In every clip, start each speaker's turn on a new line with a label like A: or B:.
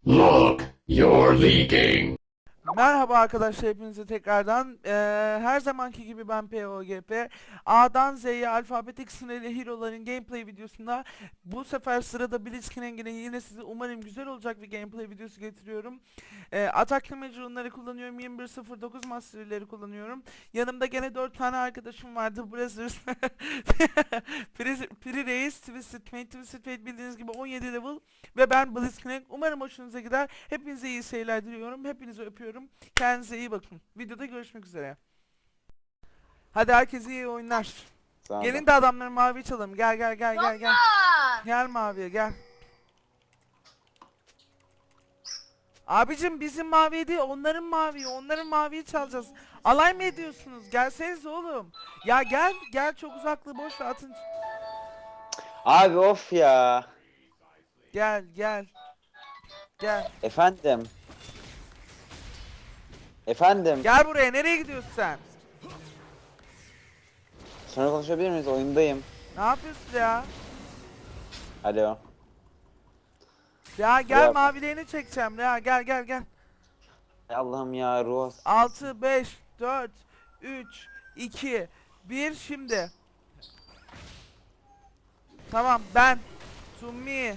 A: Look, you're leaking.
B: Merhaba arkadaşlar, hepinize tekrardan. Her zamanki gibi ben POGP. A'dan Z'ye alfabetik sınırlı hero'ların gameplay videosunda bu sefer sırada Blitzcrank'ine yine size umarım güzel olacak bir gameplay videosu getiriyorum. Atak Damage'ları kullanıyorum, 2109 Master'leri kullanıyorum. Yanımda gene 4 tane arkadaşım vardı. Brazzers, Pri Reis, Twisted Fate bildiğiniz gibi 17 level ve ben Blitzcrank. Umarım hoşunuza gider. Hepinize iyi seyirler diliyorum. Hepinizi öpüyorum. Kendinize iyi bakın. Videoda görüşmek üzere. Hadi herkese iyi oyunlar.
C: Sağ ol.
B: Gelin de adamları mavi çalalım. Gel gel gel gel gel.
D: Baba!
B: Gel maviye gel. Abicim bizim mavi değil, onların mavi. Onların maviyi çalacağız. Alay mı ediyorsunuz? Gelsenize oğlum. Ya gel gel, çok uzaklığı boş ver, atın.
C: Abi of ya.
B: Gel gel. Gel.
C: Efendim. Efendim.
B: Gel buraya, nereye gidiyorsun sen?
C: Sonra konuşabilir miyiz? Oyundayım.
B: Ne yapıyorsun ya?
C: Alo.
B: Ya gel,
C: Ya.
B: mavilerini çekeceğim ya, gel gel gel.
C: Ay Allah'ım ya ruh.
B: 6, 5, 4, 3, 2, 1 şimdi. Tamam, ben. To me.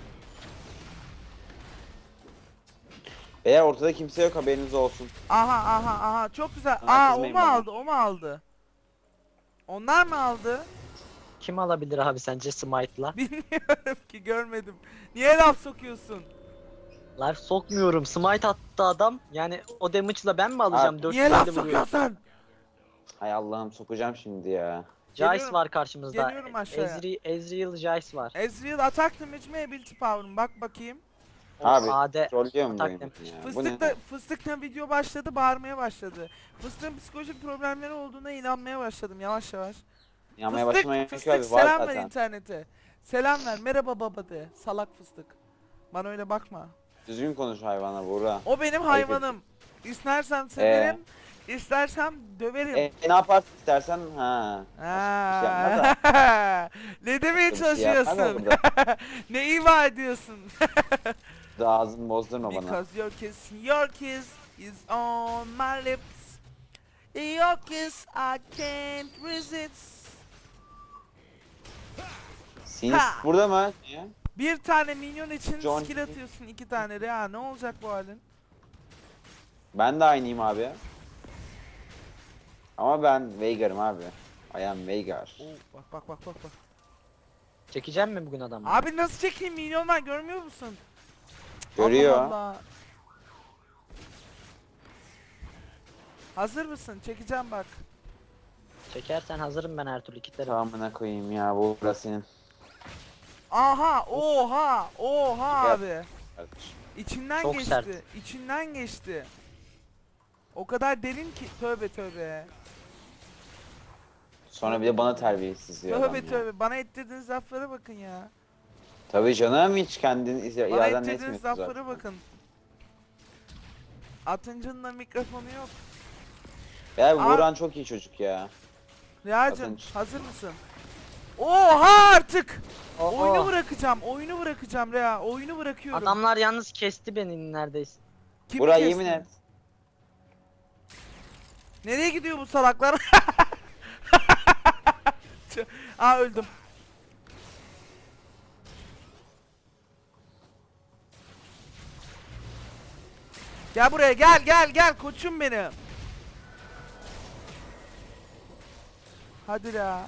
C: Eğer ortada kimse yok haberiniz olsun.
B: Aha aha aha, çok güzel.
C: Bana
B: Aa, o
C: kızmayın
B: mu
C: bana.
B: aldı, o mu aldı? Onlar mı aldı?
E: Kim alabilir abi sence Smite'la?
B: Bilmiyorum ki, görmedim. Niye laf sokuyorsun?
E: Life sokmuyorum. Smite attı adam. Yani o damage'la ben mi alacağım?
C: Abi,
E: 4
B: Niye laf
E: tane vuruyor.
B: sokuyorsun?
C: Ay Allah'ım sokacağım şimdi ya.
E: Jace
B: Geliyorum-
E: var karşımızda.
B: geliyorum aşağıya.
E: Ezreal Jace var.
B: Ezreal atak damage mi, ability power mı? Bak bakayım.
E: O
C: Abi
E: AD
C: trollüyor mu
E: atak
C: benim
E: damage.
C: ya? Bu ne?
B: Fıstıkla video başladı, bağırmaya başladı. Fıstıkın psikolojik problemleri olduğuna inanmaya başladım yavaş yavaş.
C: Yanmaya başlamaya gerek
B: Fıstık
C: yok abi var
B: selam ver
C: zaten.
B: internete. Selam ver, merhaba baba de. Salak fıstık. Bana öyle bakma.
C: Düzgün konuş hayvana Buğra.
B: O benim
C: Ayıp
B: hayvanım. İstersem severim, istersem döverim.
C: Ne yaparsın istersen ha. Bir şey yapma da.
B: Ne demeye
C: Bir şey yapma da
B: çalışıyorsun?
C: burada.
B: Ne ima ediyorsun?
C: Da ağzını bozdurma bana.
B: Because your kiss is on my lips. Your kiss I can't resist.
C: Sinir
B: Ha!
C: burada mı? Niye?
B: Bir tane minyon için
C: John-
B: skill atıyorsun, 2 tane de. Ya ne olacak bu halin?
C: Ben de aynıyım abi. Ama ben Veigar'ım abi. I am Veigar.
B: Oo, bak bak bak bak bak.
E: Çekeceğim mi bugün adamı?
B: Abi nasıl çekeyim, minyonlar görmüyor musun?
C: Görüyor.
B: Allah Allah. Hazır mısın? Çekeceğim bak.
E: Çekersen hazırım ben her türlü kitlerim.
C: Tamamına koyayım ya bu burası senin
B: Aha, oha, oha
C: Gel.
B: abi.
C: kardeşim.
B: İçinden
E: Çok
B: geçti.
E: sert.
B: İçinden geçti. O kadar derin ki, tövbe tövbe.
C: Sonra bir de bana terbiyesiz diyor adam
B: Tövbe
C: ya.
B: tövbe. Bana ettirdiğiniz laflara bakın ya.
C: Tabii canım hiç kendini
B: Bana
C: iraden
B: ettirdiğiniz
C: etmiyorsun
B: laflara
C: zaten.
B: bakın. Atıncı'nın da mikrofonu yok.
C: Ya
B: Abi-
C: Buğran çok iyi çocuk ya.
B: Riyacım,
C: Atınç.
B: hazır mısın? Oha artık!
E: Oo.
B: Oyunu bırakacağım, oyunu bırakacağım Rea. Oyunu bırakıyorum.
E: Adamlar yalnız kesti beni neredeyse.
B: Kimi
C: Buğra
B: kestin?
C: yemin et.
B: Nereye gidiyor bu salaklar? Aa, öldüm. Gel buraya, gel gel gel koçum benim. Hadi ya.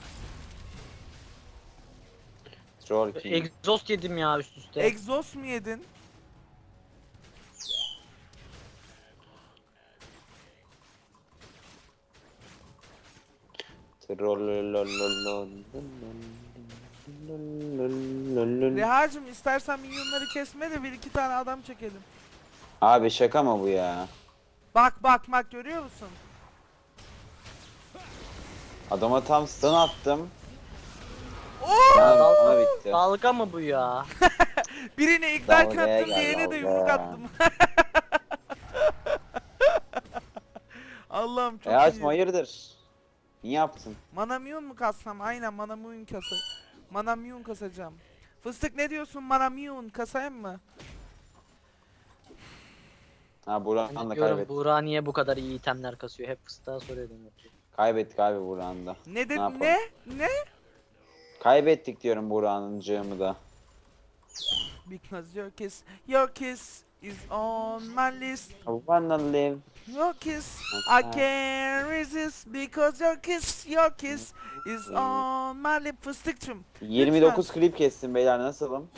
C: Troll king.
E: Exhaust yedim ya üst üste.
B: Egzoz mu yedin? Reha'cım, istersen minyonları kesme de bir iki tane adam çekelim.
C: Abi şaka mı bu ya?
B: Bak bak bak, görüyor musun?
C: Adama tam stun attım.
B: Oo!
C: Yani
E: Dal-
C: ona bitti.
E: Dalga mı bu ya?
B: Birine ignite
C: Dalgaya
B: attım,
C: gel,
B: diğerine de
C: dalga.
B: yumruk attım. Allah'ım çok
C: E açma
B: iyi.
C: hayırdır? Niye yaptın?
B: Manamyun mu kassam? Aynen, Manamyun kasa. Manamyun kasacağım. Fıstık ne diyorsun, Manamyun kasayım mı?
C: Ha Buran
E: Ben
C: da
E: diyorum
C: kaybetti.
E: Buğra niye bu kadar iyi itemler kasıyor? Hep fıstığa soruyordum.
C: Kaybettik abi Buran'ı da.
B: Ne dedi
C: yapalım?
B: ne?
C: Kaybettik diyorum Buran'ıncığımı da.
B: Because your kiss is on my list.
C: I wanna live.
B: Your kiss I can't resist because your kiss is on my lip. Fıstıkçım.
C: 29 klip kestim beyler, nasılım?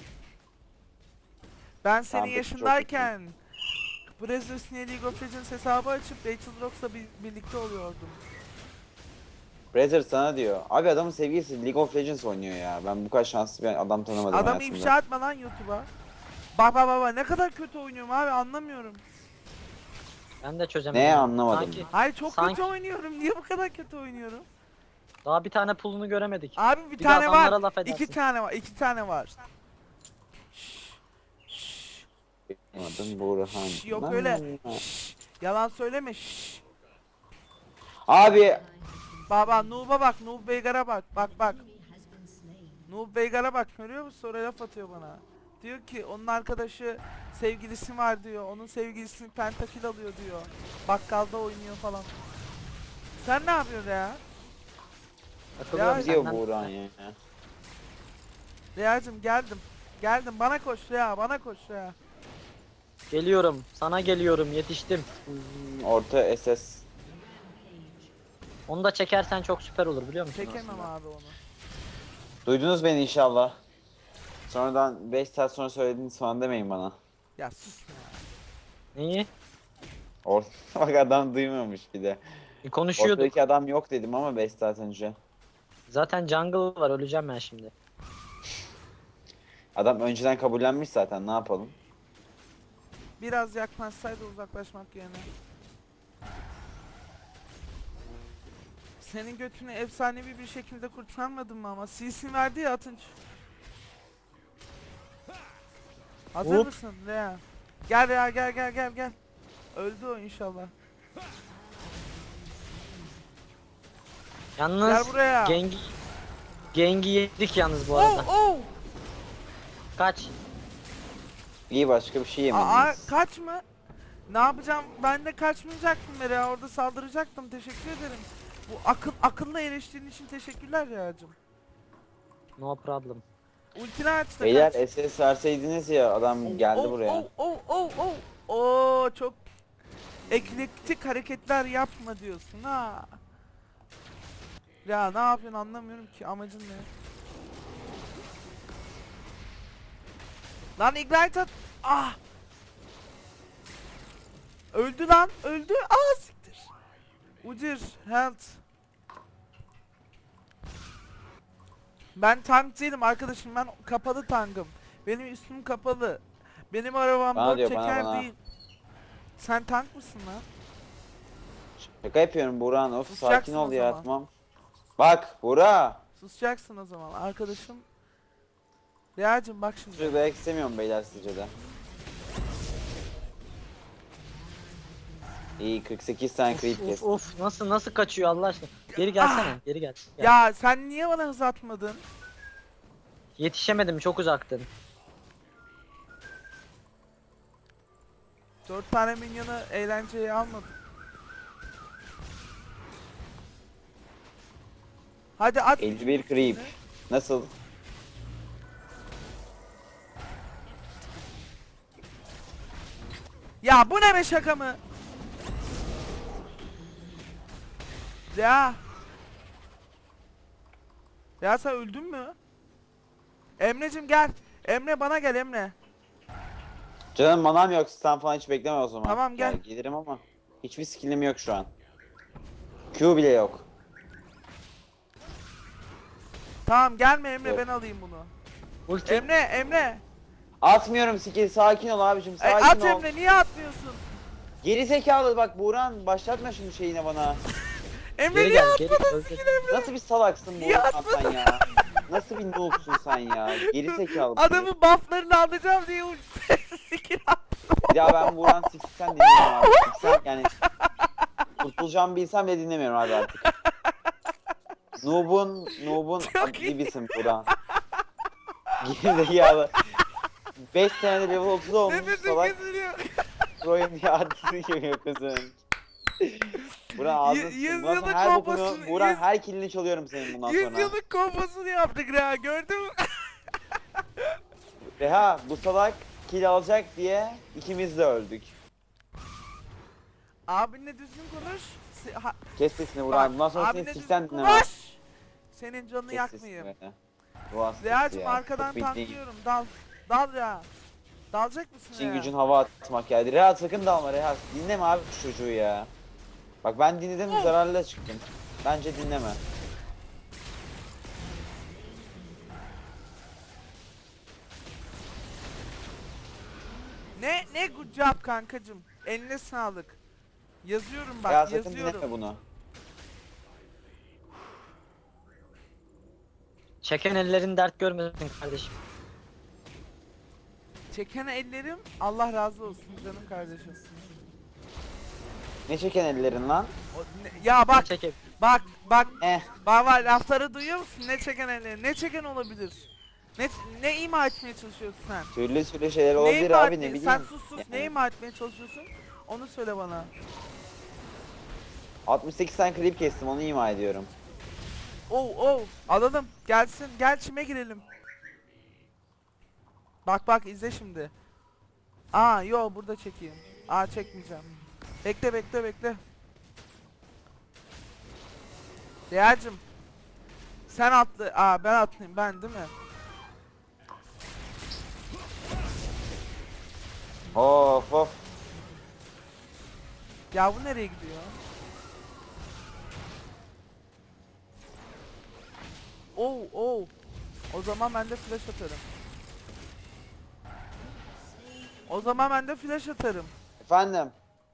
B: Ben senin
C: Abi, çok
B: yaşındayken Brazzers niye League of Legends hesabı açıp Rachel Rox'la birlikte oluyordum.
C: Brazzer sana diyor. Abi adamın sevgilisi League of Legends oynuyor ya. Ben bu kadar şanslı bir adam tanımadım
B: Adamı
C: hayatımda.
B: ifşa etme lan YouTube'a. Baba ne kadar kötü oynuyorum abi, anlamıyorum.
E: Ben de çözemedim.
C: Ne anlamadım.
E: Sanki
B: Hayır çok
E: Sanki-
B: kötü oynuyorum. Niye bu kadar kötü oynuyorum?
E: daha bir tane pulunu göremedik.
B: Abi bir
E: Bir de
B: tane
E: adamlara
B: var.
E: laf edersin.
B: 2 tane var. 2 tane var. Şşş, şşş,
C: Adım Burhan.
B: şşş, yok öyle. Şşş, yalan söyleme. Şşş.
C: Abi
B: Baba Noob'a bak, Noob Veigar'a bak. Bak. Noob Veigar'a bak, görüyor musun? Sonra laf atıyor bana. Diyor ki onun arkadaşı sevgilisi var diyor. Onun sevgilisini pentakil alıyor diyor. Bakkalda oynuyor falan. Sen ne yapıyorsun ya?
E: Takılıyorum
B: Ya-
C: diyor
E: senden.
C: Burhan ya.
B: Reya'cım geldim. Geldim, bana koş Reya, bana koş Reya.
E: Geliyorum. Sana geliyorum. Yetiştim.
C: Orta SS.
E: Onu da çekersen çok süper olur biliyor musun?
B: Çekemem
E: aslında?
B: abi onu.
C: Duydunuz beni inşallah. Sonradan 5 saat sonra söylediğiniz falan demeyin bana.
B: Ya sus ya.
E: Neyi?
C: Bak adam duymamış bir de.
E: Konuşuyorduk.
C: Ortadaki adam yok dedim ama 5 saat önce.
E: Zaten jungle var. Öleceğim ben şimdi.
C: Adam önceden kabullenmiş zaten, ne yapalım?
B: Biraz yaklaşsaydı uzaklaşmak yerine. Senin götünü efsanevi bir şekilde kurtarmadım mı ama? CC verdi ya Atınç. Hazır
E: Hop.
B: mısın Rea? Gel Rea, gel. Öldü o inşallah. Gel
E: Yalnız
B: buraya.
E: Gengi yedik yalnız bu arada.
B: Oh!
E: Kaç.
C: İyi, başka bir şey
B: Aa,
C: yemediniz.
B: kaç mı? Ne yapacağım? Ben de kaçmayacaktım Rea. Orada saldıracaktım. Teşekkür ederim. Bu akıllı eleştirin için teşekkürler Rea'cığım.
E: No problem.
B: Ultini aç da
C: Beyler
B: kaç.
C: SS verseydiniz ya, adam geldi buraya.
B: Oo, çok eklektik hareketler yapma diyorsun ha. Ya ne yapıyorsun anlamıyorum ki, amacın ne? Lan ignite at. Ah. Öldü lan, öldü. Ah siktir. Ucir, health. Ben tank değilim arkadaşım, ben kapalı tankım. Benim üstüm kapalı. Benim arabam
C: Bana
B: dört
C: diyor, bana,
B: çeker
C: bana.
B: değil. Sen tank mısın lan?
C: Şaka yapıyorum Burhan, of
B: Susacaksın
C: sakin ol
B: o
C: ya,
B: zaman.
C: tamam. Bak Burak.
B: Susacaksın o zaman arkadaşım. Reya'cım bak şimdi.
C: Çocuk dayak istemiyorum beyler sizce de. İyi, 48 tane creep
E: Of
C: kestim.
E: of nasıl kaçıyor Allah aşkına. Geri gelsene. Geri gel. Gel.
B: Ya sen niye bana hız atmadın?
E: Yetişemedim çok uzaktın.
B: 4 tane minyonu eğlenceye almadım. Hadi at.
C: 51 creep. Nasıl?
B: Ya bu ne be, şaka mı? Ya. Ya sen öldün mü? Emre'cim gel. Emre bana gel Emre.
C: Canım manam yok, stun falan hiç bekleme o zaman.
B: Tamam, gel.
C: Ya, gelirim ama hiçbir skillim yok şu an. Q bile yok.
B: Tamam gelme Emre,
C: Yok.
B: ben alayım bunu.
E: Ulti.
B: Emre.
C: Atmıyorum skill, sakin ol abicim, sakin
B: At
C: ol.
B: Emre, niye atmıyorsun?
C: Geri zekalı bak Buğran, başlatma şimdi şeyine bana.
B: Emre
E: Geri
B: niye
E: gel. Geri
B: atmadın
E: öldür.
B: skill Emre?
C: Nasıl bir salaksın
B: Niye
C: Buğran sen ya? Nasıl bir noobsun sen ya? Geri zekalı.
B: Adamın bufflarını alacağım diye skill at.
C: Ya ben Buğran siksen dinlemiyorum abi. Siksen yani. Kurtulacağımı bilsem de dinlemiyorum abi artık. Noob'un
B: Çok iyi.
C: gibisin Buğran. Gerizekalı. 5 senede level 30 olmuş
B: Nefesim
C: salak.
B: kesiliyor.
C: Pro'yum diye adını geliyor kızın. Buran ağzını sıçtım. Bundan
B: Yüzyıllık
C: sonra her bokunu,
B: kompasını-
C: Buran
B: yüz-
C: her killini çalıyorum senin bundan
B: 100
C: sonra.
B: yıllık kompasını yaptık Reha, gördün mü?
C: Reha bu salak kill alacak diye ikimiz de öldük.
B: Abinle düzgün konuş.
C: Kes sesini Buran. Bundan sonra seni
B: abinle
C: siksen
B: düzgün
C: dinlemem.
B: konuş. Senin canını
C: Kes sesini
B: yakmayayım.
C: böyle. Buran sesi
B: Reha'cım
C: ya,
B: arkadan
C: çok bildiğin.
B: tanklıyorum. Dal. Dal Reha. Dalacak mısın
C: İşin
B: Reha?
C: gücün hava atmak geldi. Reha sakın dalma Reha. Dinleme abi şu çocuğu ya. Bak ben dinledim zararlı çıktım. Bence dinleme.
B: Ne good job kankacım. Eline sağlık. Yazıyorum bak,
C: Reha sakın
B: yazıyorum.
C: dinleme bunu.
E: Çeken ellerin dert görmesin kardeşim.
B: Çeken ellerim Allah razı olsun canım kardeşim.
C: Ne çeken ellerin lan?
B: Ya bak
E: Çekip.
B: bak
C: Eh.
B: baba lafları duyuyor musun? Ne çeken ellerim? Ne çeken olabilir? Ne ima etmeye çalışıyorsun sen?
C: Türlü şeyler
B: Ne
C: olabilir
B: ima
C: abi
B: etmeye-
C: ne bileyim.
B: Sen sus sus.
C: Yani.
B: Ne ima etmeye çalışıyorsun? Onu söyle bana.
C: 68 tane klip kestim onu ima ediyorum.
B: Oh alalım. Gelsin. Gel çime girelim. Bak izle şimdi. Aa yo burada çekeyim. Aa çekmeyeceğim. Bekle. Reha'cım. Sen atlı. Aa ben atlayayım ben değil mi?
C: Of.
B: Ya bu nereye gidiyor? Oh. O zaman ben de flash atarım.
C: Efendim.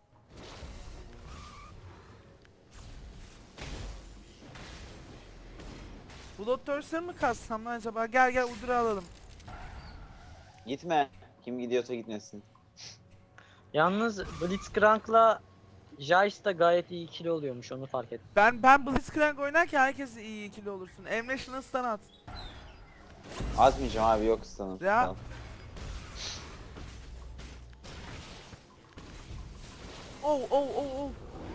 B: Blood Thirster'ı mı kassam lan acaba? Gel Udur'u alalım.
C: Gitme. Kim gidiyorsa gitmesin.
E: Yalnız Blitzcrank'la Jayce da gayet iyi ikili oluyormuş, onu fark ettim.
B: Ben Blitzcrank oynarken herkes iyi ikili olursun. Emre şunu stun at.
C: Atmayacağım abi yok sanırım.
B: Ya. Oh.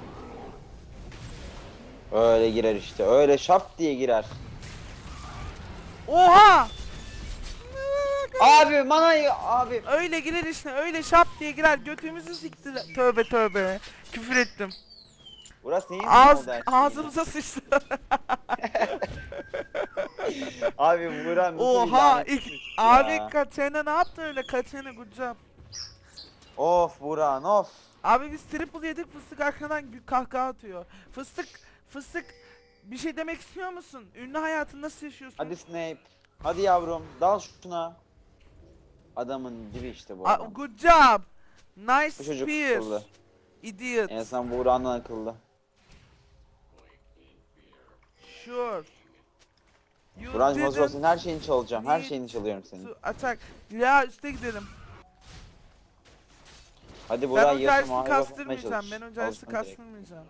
C: Öyle girer işte. Öyle şap diye girer.
B: Oha!
C: Abi manayı abi.
B: Öyle girer işte, öyle şap diye girer. Götümüzü sikti. Tövbe. Küfür ettim.
C: Burası neyin
B: Ağız,
C: oldu her şeyin?
B: ağzımıza sıçtı.
C: Abi Buran nasıl bir
B: Oha!
C: lanet
B: ilk,
C: suç
B: abi
C: ya.
B: Katerina ne yaptı öyle? Katerina good job.
C: Of Buran of.
B: Abi biz triple yedik, fıstık arkadan kahkaha atıyor. Fıstık bir şey demek istiyor musun? Ünlü hayatını nasıl yaşıyorsun?
C: Hadi Snape. Hadi yavrum dal şuna. Adamın dibi işte bu
B: Aa,
C: adam.
B: good job.
C: Bu
B: Nice
C: çocuk
B: spear.
C: akıllı.
B: Idiot.
C: En azından Buran'dan akıllı.
B: Sure. You
C: Buran
B: didn't
C: hazır olsun her şeyini çalacağım. Her
B: need
C: şeyini çalıyorum senin.
B: to attack. Ya üste gidelim.
C: Hadi
B: Ben
C: Buran
B: önce
C: yarısı
B: Ice'ını
C: mavi yapmaya
B: kastırmayacağım.
C: çalış.
B: Ben önce Ice'ını
C: Alışma direkt.
B: kastırmayacağım.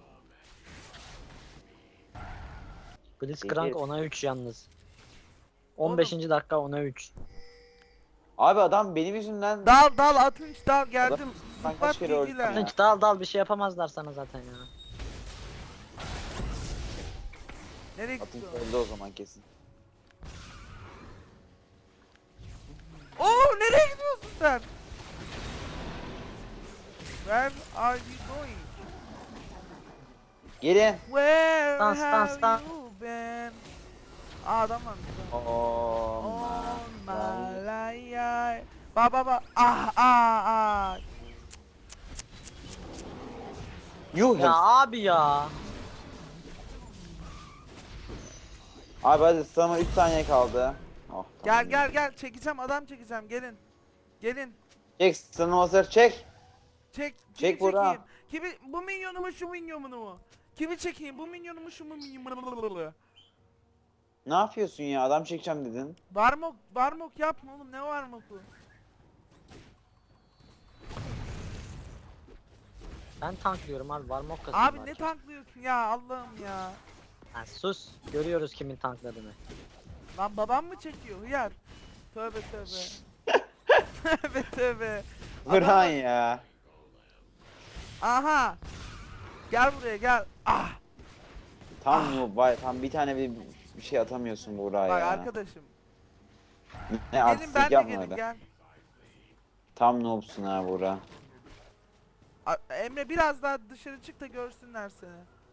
E: Blitzcrank
C: Peki.
E: 10'a 3 yalnız. 15. dakika 10'a 3.
C: Abi adam benim yüzümden
B: Dal Atınç dal geldim.
C: Ben
B: Zıplat
C: kaç kere öldüm
B: bilgiler.
C: ya.
E: Hiç dal bir şey yapamazlar sana zaten ya.
B: Nereye
C: atın
B: gidiyor?
C: öldü o zaman kesin.
B: Oo nereye gidiyorsun sen? Where are you going?
C: Gelin.
B: Where
E: Dans,
B: have
E: dans.
B: you been? Aa adam var burada.
C: Oh
B: On
C: my
B: my life. Baba. Ah.
C: Yuh
E: Ya abi ya.
C: Abi hadi sana 3 saniye kaldı. Oh, tamam.
B: Gel çekeceğim, adam çekeceğim, gelin.
C: Çek stun'ım hazır çek.
B: Kimi
C: Çek Burak.
B: çekeyim? Bu minyonu mu şu minyonu mu? Kimi çekeyim, bu minyonu mu şu minyonu?
C: Ne yapıyorsun ya adam çekeceğim dedin.
B: Barmok yapma oğlum, ne Barmok'u?
E: Ben tanklıyorum abi, var mok kasıyorum.
B: Abi ne tanklıyorsun ya, Allah'ım ya.
E: Lan sus. Görüyoruz kimin tankladığını.
B: Lan babam mı çekiyor hıyar? Tövbe. Tövbe.
C: Buran ya.
B: Aha. Gel buraya gel. Ah.
C: Tam noob var. Tam bir tane bir şey atamıyorsun buraya
B: Bak
C: ya.
B: arkadaşım.
C: Ne
B: Gelin
C: artistik
B: ben de
C: yapma
B: gelin
C: öyle.
B: gel.
C: Tam noobsun ha Buğra.
B: Emre biraz daha dışarı çık da görsünler seni.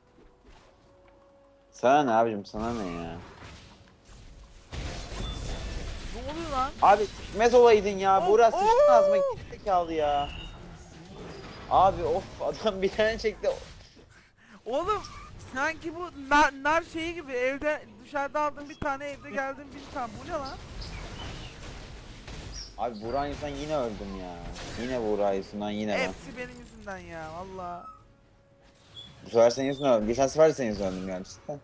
C: Sana ne abicim, sana ne ya?
B: Ne oluyor lan?
C: Abi çıkmaz olaydın ya.
B: Oh,
C: Buğra sıçtın ağzıma,
B: oh!
C: gerizekalı ya. Abi of, adam bir tane çekti.
B: Oğlum sanki bu nar şeyi gibi evde dışarıda aldığım bir tane evde geldim bir tane. Bu ne lan?
C: Abi Buğra yüzünden yine öldüm ya. Yine Buğra yüzünden yine ben.
B: Hepsi benim yüzümden ya valla.
C: Bu sefer senin yüzünden öldüm. Geçen sefer de senin yüzünden öldüm yani cidden.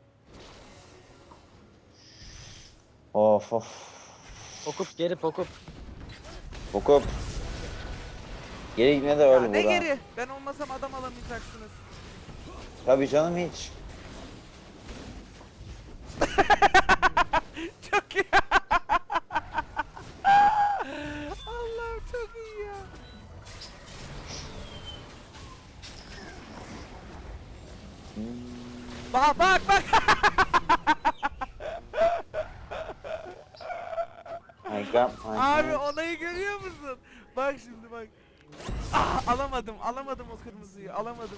C: Of of.
E: Pokup geri pokup.
C: Bokup. Geri gitmeye de
B: Ya
C: öyle
B: ne
C: Buğra.
B: geri? Ben olmasam adam alamayacaksınız.
C: Tabii canım, hiç.
B: Çok iyi. Allah'ım çok iyi ya. Bak bak bak. Abi olayı görüyor musun? Bak şimdi bak. Ah, alamadım o kırmızıyı, alamadım.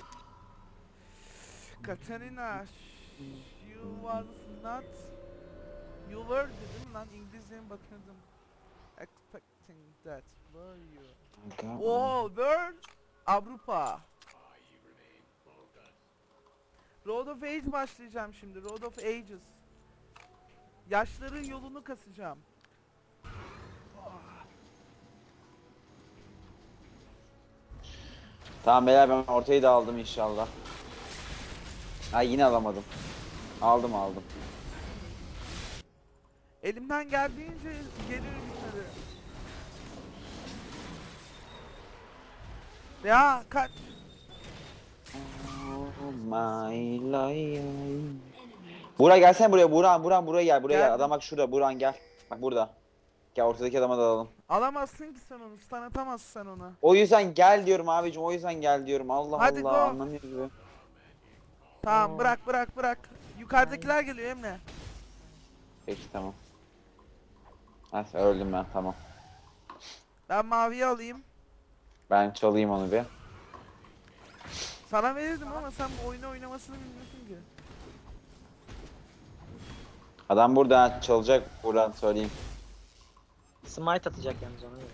B: Katarina, you was not, you were dedim lan, İngilizceye bakıyordum. Expecting that, were you? Oh, were Avrupa. Road of Age başlayacağım şimdi, Road of Ages. Yaşların yolunu kasacağım.
C: Tamam beyler, ben ortayı da aldım inşallah. Ha, yine alamadım. Aldım.
B: Elimden geldiğince gelirim yukarı. Ya kaç.
C: Oh my life. Buğra gelsene buraya, Buğra buraya gel, buraya gel.
B: Geldim.
C: Adam bak şurada, Buğra gel. Bak burada. Gel, ortadaki adama da alalım.
B: Alamazsın ki sen onu, stun atamazsın sen ona.
C: O yüzden gel diyorum abicim, o yüzden gel diyorum. Allah
B: Hadi
C: Allah,
B: go.
C: anlamıyoruz be.
B: Tamam bırak. Yukarıdakiler geliyor Emre.
C: Peki tamam. Ha, öldüm ben, tamam.
B: Ben maviyi alayım.
C: Ben çalayım onu bir.
B: Sana verirdim ama sen bu oyunu oynamasını bilmiyorsun ki.
C: Adam burada, ha, çalacak, buradan söyleyeyim.
E: Smite atacak yalnız ona göre.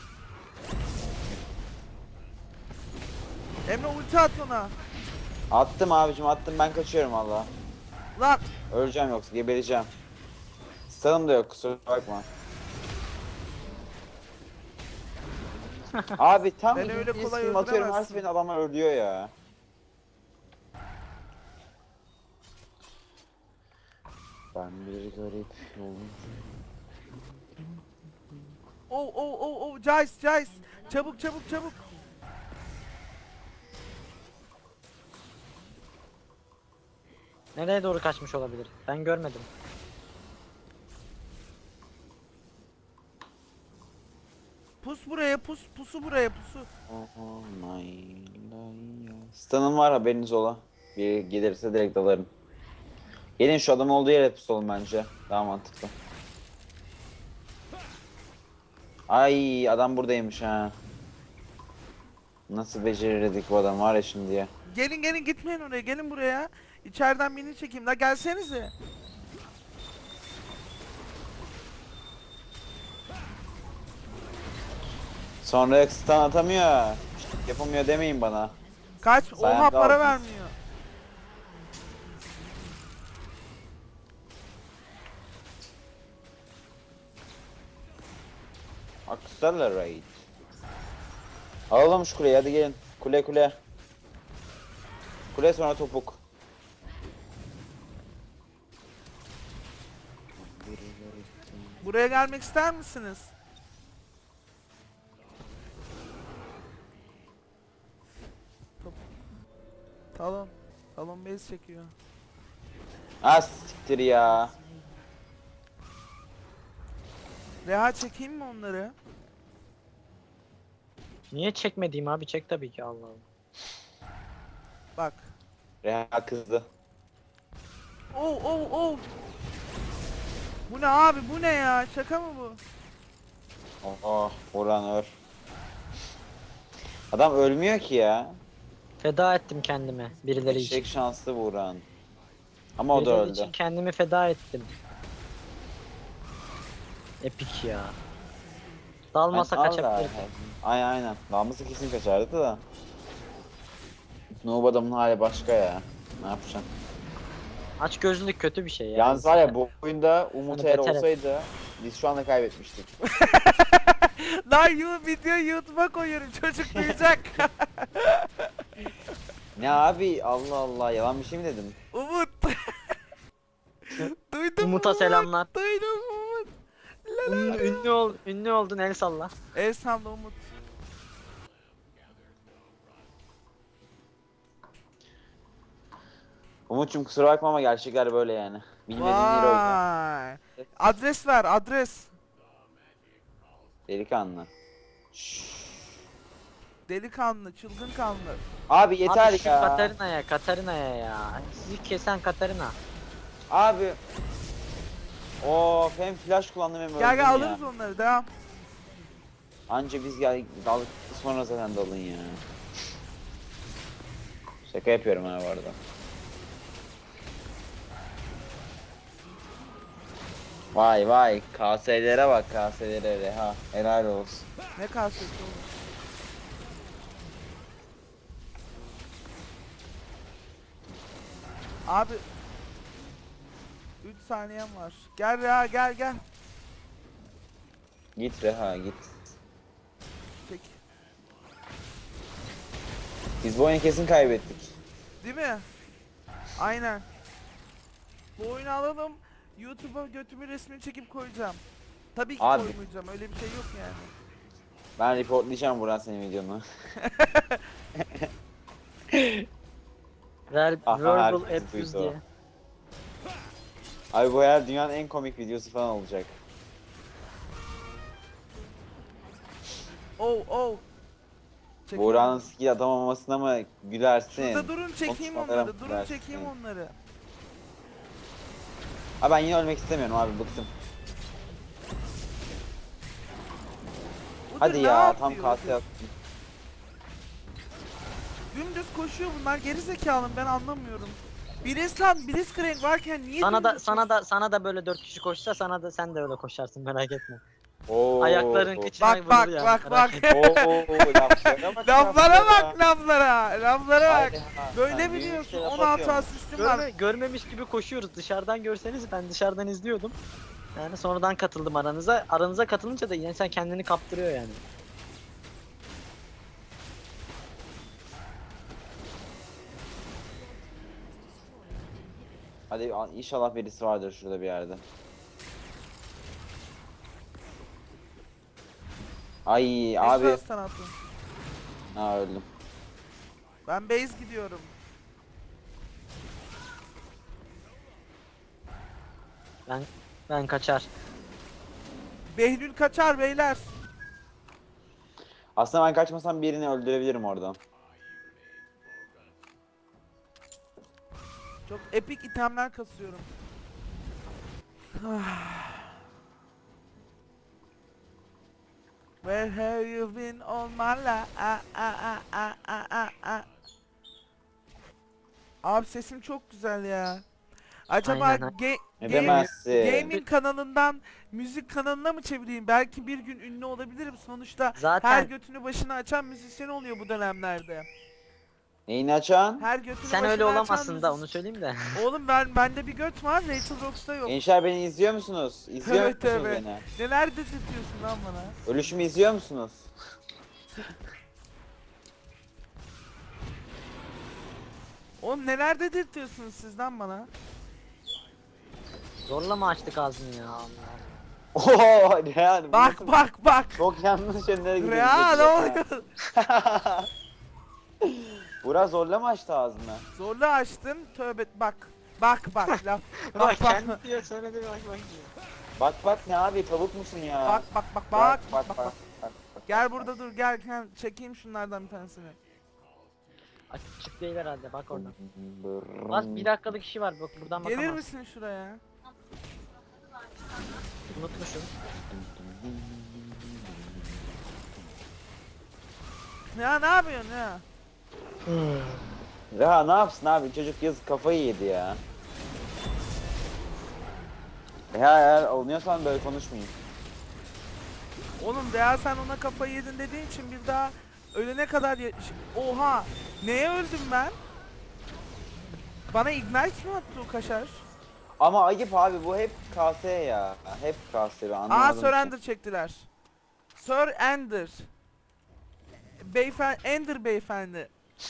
B: Emre ulti at ona.
C: Attım abicim, attım, ben kaçıyorum valla.
B: Lan
C: Öleceğim yoksa gebereceğim. Stun'ım da yok, kusura bakma. Abi tam
B: Beni öyle
C: bir
B: kolay
C: stream atıyorum, her
B: öldüremezsin.
C: seferinde adamlar ölüyor ya. Ben bir garip yolum.
B: oh Jace. Çabuk.
E: Nereye doğru kaçmış olabilir? Ben görmedim.
B: Pus buraya pusu buraya pusu.
C: Oh my life. Stun'ım var, haberiniz ola. Bir gelirse direkt dalarım. Gelin şu adamın olduğu yere pusalım bence. Daha mantıklı. Ay, adam buradaymış ha. Nasıl becerirdik bu adam var ya şimdi ya.
B: Gelin gitmeyin oraya, gelin buraya. İçeriden birini çekeyim la, gelsenize.
C: Sonra stun atamıyor. Yapamıyor demeyin bana.
B: Kaç?
C: Sayende
B: Oha para
C: aldınız.
B: vermiyor.
C: Accelerate. Alalım şu kuleyi, hadi gelin. Kule. Kule sonra topuk.
B: Buraya gelmek ister misiniz? Top. Talon base çekiyor.
C: Ah siktir ya.
B: Reha çekeyim mi onları?
E: Niye çekmediğim abi? Çek tabii ki, Allah Allah.
B: Bak.
C: Reha kızdı.
B: Oh oh oh. Bu ne abi, bu ne ya? Şaka mı bu?
C: Oh, Buran öl. Adam ölmüyor ki ya.
E: Feda ettim kendimi birileri için.
C: Eşek şanslı Buran. Ama o da
E: Birileri
C: öldü.
E: için kendimi feda ettim. Epik ya. Dalmasa
C: Ben-
E: kaçabilirdim.
C: Aynen. Damlası kesin kaçardı da. Noob adamın hali başka ya. Ne yapacaksın?
E: Aç gözlülük kötü bir şey ya.
C: Yalnız var ya bu oyunda Umut
E: Hani
C: eğer
E: beter et.
C: olsaydı biz şu anda kaybetmiştik.
B: Lan video YouTube'a koyuyorum, çocuk duyacak.
C: Ne abi Allah Allah yalan bir şey mi dedim?
B: Umut. Duydun mu
E: Umut'a
B: Umut?
E: selamlar.
B: Duydun mu Umut?
E: Ünlü oldun, el salla.
B: El salla Umut.
C: Umut'cum kusura bakma ama gerçekler böyle yani. Bilmediğin yeri oyna.
B: Vay. Adres ver, adres.
C: Delikanlı. Şşş.
B: Delikanlı, çılgın kanlı.
C: Abi yeter
E: Abi şu
C: ya.
E: Katarina'ya ya. Sizi kesen Katarina.
C: Abi. Of hem flash kullandım hem
B: Gel
C: öldüm
B: gel
C: ya.
B: alırız onları, devam.
C: Anca biz gel daldık sonra zaten dalın ya. Şaka yapıyorum ha bu arada. Vay vay KS'lere bak KS'lere ha helal olsun.
B: Ne kaseti oğlum? Abi 3 saniyem var. Gel ya, gel gel.
C: Git Reha git.
B: Peki.
C: Biz bu oyunu kesin kaybettik.
B: Değil mi? Aynen. Bu oyunu alalım. YouTube'a götümü resmini çekip koyacağım. Tabii ki
C: Abi.
B: koymayacağım. Öyle bir şey yok yani.
C: Ben reportlayacağım Buran senin videonu. Aha,
E: Verbal
C: herkes
E: abuse
C: duydu o.
E: diye.
C: Abi bu herhalde dünyanın en komik videosu falan olacak.
B: Oh oh. Çekiyorum.
C: Buran'ın skill atamamasına mı gülersin?
B: Şurada durun, çekeyim
C: Konuşmalara
B: onları. Durun,
C: gülersin.
B: çekeyim onları.
C: Abi ben yine ölmek istemiyorum abi bıktım.
B: Budur,
C: Hadi
B: ne
C: ya tam
B: yapıyor?
C: KS attım.
B: Dümdüz koşuyor bunlar, geri zekalı, ben anlamıyorum. Blitzcrank varken niye
E: Sana da
B: dümdüz
E: sana da böyle 4 kişi koşsa sen de öyle koşarsın, merak etme.
C: Oo.
E: Ayakların kıçına
B: Bak bak
E: vurur yani,
B: bak
E: merak
B: bak.
E: etme.
C: Oo laflara bak.
B: Laflara bak, laflara bak.
C: Haydi ha,
B: Böyle
C: sen
B: biliyorsun,
C: büyük şey laf
B: 16
C: atıyorsun.
B: asistim var.
E: Görmemiş gibi koşuyoruz. Dışarıdan görseniz, ben dışarıdan izliyordum. Yani sonradan katıldım aranıza. Aranıza katılınca da insan kendini kaptırıyor yani.
C: Hadi inşallah birisi vardır şurada bir yerde. Ay abi.
B: Abi. Sanatım.
C: Ha öldüm.
B: Ben base gidiyorum.
E: Ben kaçar.
B: Behlül kaçar beyler.
C: Aslında ben kaçmasam birini öldürebilirim oradan.
B: Çok epik itemler kasıyorum. Where have you been all my life? Abi sesim çok güzel ya. Acaba
E: Aynen.
C: Ne demezsin.
B: gaming kanalından müzik kanalına mı çevireyim? Belki bir gün ünlü olabilirim. Sonuçta her
E: Zaten
B: götünü başına açan müzisyen oluyor bu dönemlerde.
C: Neyini açan?
B: Her götünü
E: sen
B: başına
E: öyle
B: açan
E: olamazsın da,
B: müzis-
E: onu söyleyeyim de.
B: Oğlum bende bir göt var, Rachel Rox'ta yok.
C: Gençler beni izliyor musunuz? İzliyor
B: Tövbe
C: musunuz
B: tövbe.
C: beni?
B: Neler dedirtiyorsun lan bana?
C: Ölüşümü izliyor musunuz?
B: Oğlum neler dedirtiyorsunuz siz lan bana?
E: Zorla mı açtık ağzını ya? Allah.
C: Ooo Rehan. bu
B: Bak
C: nasıl-
B: bak bak.
C: Çok yanlış yönlere gidiyor.
B: Ya ne oluyor?
C: Burak zorla mı açtı ağzını?
B: Zorla açtın, tövbe bak. Bak bak laf.
E: Bak
B: Bak bak.
E: kendi diyor, söyledi, bak diyor.
C: Bak bak ne abi tavuk musun ya?
B: Bak bak bak bak bak bak.
C: bak.
B: Gel burada dur, gel çekeyim şunlardan bir tanesini.
E: Açık değil herhalde, bak oradan.
C: Brrrr.
E: Bak 1 dakikalık işi var, bak buradan
B: Gelir
E: bakamaz.
B: misin şuraya?
E: Unutmuşum.
B: Ya ne yapıyorsun ya?
C: Ya ne yapsın abi, çocuk yazık kafayı yedi ya. Ya eğer oynuyorsan böyle konuşmayayım.
B: Oğlum veya sen ona kafayı yedin dediğin için bir daha ölene kadar Oha! Neye öldüm ben? Bana ignite mi attı o kaşar?
C: Ama ayıp abi, bu hep KS ya. Hep KS, ben anlamadım.
B: Sir Ender çektiler. Sir Ender. Beyefendi, Ender beyefendi.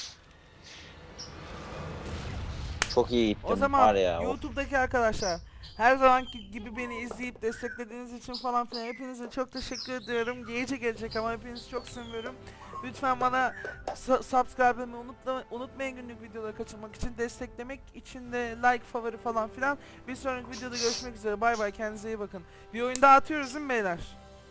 C: Çok iyi gittim
B: O zaman
C: var ya. Of.
B: YouTube'daki arkadaşlar, her zamanki gibi beni izleyip desteklediğiniz için falan filan hepinize çok teşekkür ediyorum. Gece gelecek ama hepinizi çok seviyorum. Lütfen bana subscribe etmeyi unutmayın günlük videoları kaçırmak için. Desteklemek için de like, favori falan filan. Bir sonraki videoda görüşmek üzere. Bay bay, kendinize iyi bakın. Bir oyun daha atıyoruz değil mi beyler?